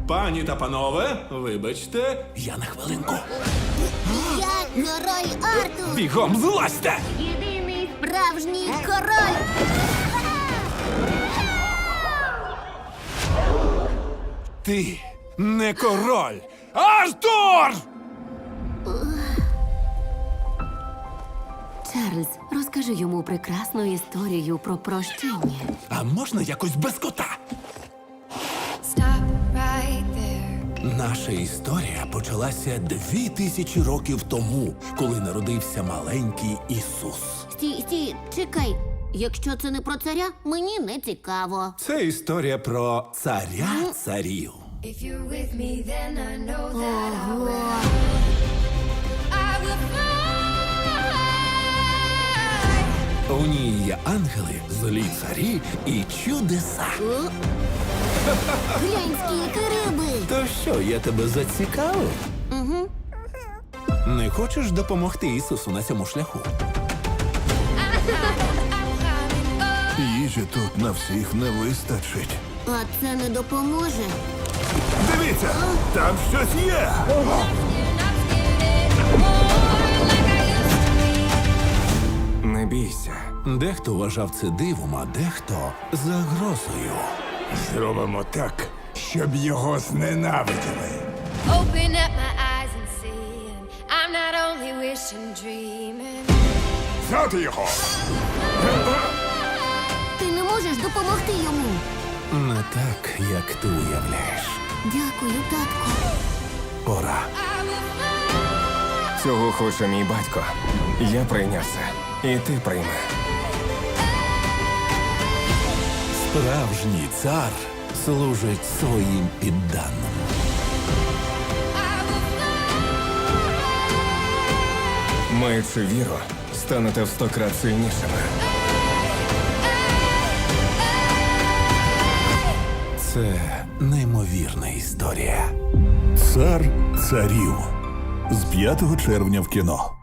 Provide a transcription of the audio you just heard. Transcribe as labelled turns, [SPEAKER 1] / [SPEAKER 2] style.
[SPEAKER 1] Пані та панове, вибачте, я на хвилинку.
[SPEAKER 2] Я король Артур!
[SPEAKER 1] Бігом злазьте!
[SPEAKER 2] Єдиний справжній король!
[SPEAKER 1] Ти не король! Артур!
[SPEAKER 3] Чарльз, розкажи йому прекрасну історію про прощення.
[SPEAKER 1] А можна якось без кота?
[SPEAKER 4] Stop right there.
[SPEAKER 1] Наша історія почалася 2000 років тому, коли народився маленький Ісус.
[SPEAKER 2] Стій, чекай. Якщо це не про царя, мені не цікаво.
[SPEAKER 1] Це історія про царя царів.
[SPEAKER 4] If you're with me, then I know that I
[SPEAKER 2] Ого.
[SPEAKER 4] will fly.
[SPEAKER 1] У ній є ангели, злі царі і чудеса.
[SPEAKER 2] О? Глянь, скільки риби!
[SPEAKER 1] То що, я тебе зацікавив?
[SPEAKER 2] Угу.
[SPEAKER 1] Не хочеш допомогти Ісусу на цьому шляху?
[SPEAKER 5] Їжі тут на всіх не вистачить.
[SPEAKER 2] А це не допоможе.
[SPEAKER 5] Дивіться, там щось є.
[SPEAKER 6] Не бійся.
[SPEAKER 1] Дехто вважав це дивом, а дехто загрозою.
[SPEAKER 5] Зробимо так, щоб його зненавиділи.
[SPEAKER 4] Open up my eyes and see. I'm not only wishing, dreaming.
[SPEAKER 5] Взяти його!
[SPEAKER 2] Ти не можеш допомогти йому.
[SPEAKER 1] Не так, як ти уявляєш.
[SPEAKER 2] Дякую, татку.
[SPEAKER 1] Пора.
[SPEAKER 6] Цього хоче мій батько. Я прийняв це. І ти прийми.
[SPEAKER 1] Справжній цар служить своїм підданим.
[SPEAKER 6] Маючи віру, станете в 100 крат сильнішими.
[SPEAKER 1] Це неймовірна історія.
[SPEAKER 5] Цар царів з 5 червня в кіно.